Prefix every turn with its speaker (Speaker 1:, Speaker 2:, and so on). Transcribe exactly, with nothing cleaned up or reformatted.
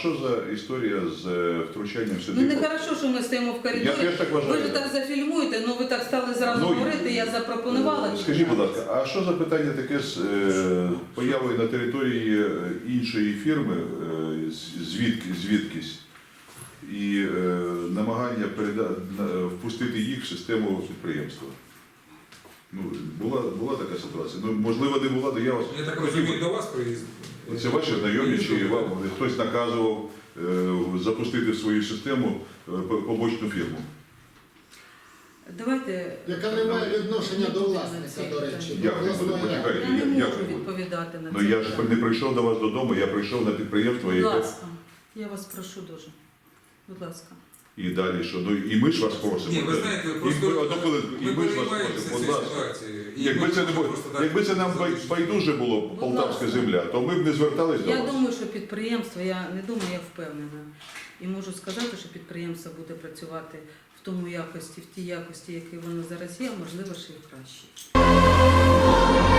Speaker 1: що за історія з е, втручанням сюди?
Speaker 2: Ну не хорошо, що ми стоїмо в коридорі.
Speaker 1: Я теж так вважаю.
Speaker 2: Ви ж так зафільмуєте, ну ви так стали зразу
Speaker 1: Ну,
Speaker 2: говорити, я запропонувала.
Speaker 1: Скажіть, будь ласка, а що за питання таке з е, появою на території е, іншої фірми, е, з- звідки, звідкись, і е, намагання переда... на- впустити їх в систему підприємства? Ну, була, була така ситуація. Ну, можливо, не була, то я вас...
Speaker 3: Я так розумію, до вас приїзд.
Speaker 1: Це ваші знайомі, чи вам хтось наказував е, запустити в свою систему е, побочну фірму?
Speaker 2: Давайте.
Speaker 4: Яка не має відношення до власника, до речі. до
Speaker 1: Як не буде?
Speaker 4: обласної ради.
Speaker 1: Почекайте.
Speaker 2: Я не
Speaker 1: Як
Speaker 2: можу
Speaker 1: ви будете?
Speaker 2: відповідати на це.
Speaker 1: Ну я ж
Speaker 2: питання.
Speaker 1: не прийшов до вас додому, я прийшов на підприємство,
Speaker 2: Будь
Speaker 1: яке...
Speaker 2: ласка, я вас прошу дуже. Будь ласка.
Speaker 1: І далі що? Ну і ми ж вас просимо.
Speaker 3: Ні, ви знаєте,
Speaker 1: І
Speaker 3: просто
Speaker 1: ми, одну хвилинку, і
Speaker 3: ми
Speaker 1: ми ж вас
Speaker 3: переймаємося
Speaker 1: просимо, будь
Speaker 3: цією
Speaker 1: ласка.
Speaker 3: ситуацією. І
Speaker 1: Якби
Speaker 3: ми
Speaker 1: це, не
Speaker 3: можемо
Speaker 1: було,
Speaker 3: просто так
Speaker 1: якби це нам бай-
Speaker 3: залишити.
Speaker 1: байдуже було, полтавська
Speaker 2: ласка.
Speaker 1: земля, то ми б не звертались до
Speaker 2: Я
Speaker 1: вас.
Speaker 2: думаю, що підприємство, я не думаю, я впевнена. І можу сказати, що підприємство буде працювати в тому якості, в тій якості, якій воно зараз є, а можливо, ще й краще.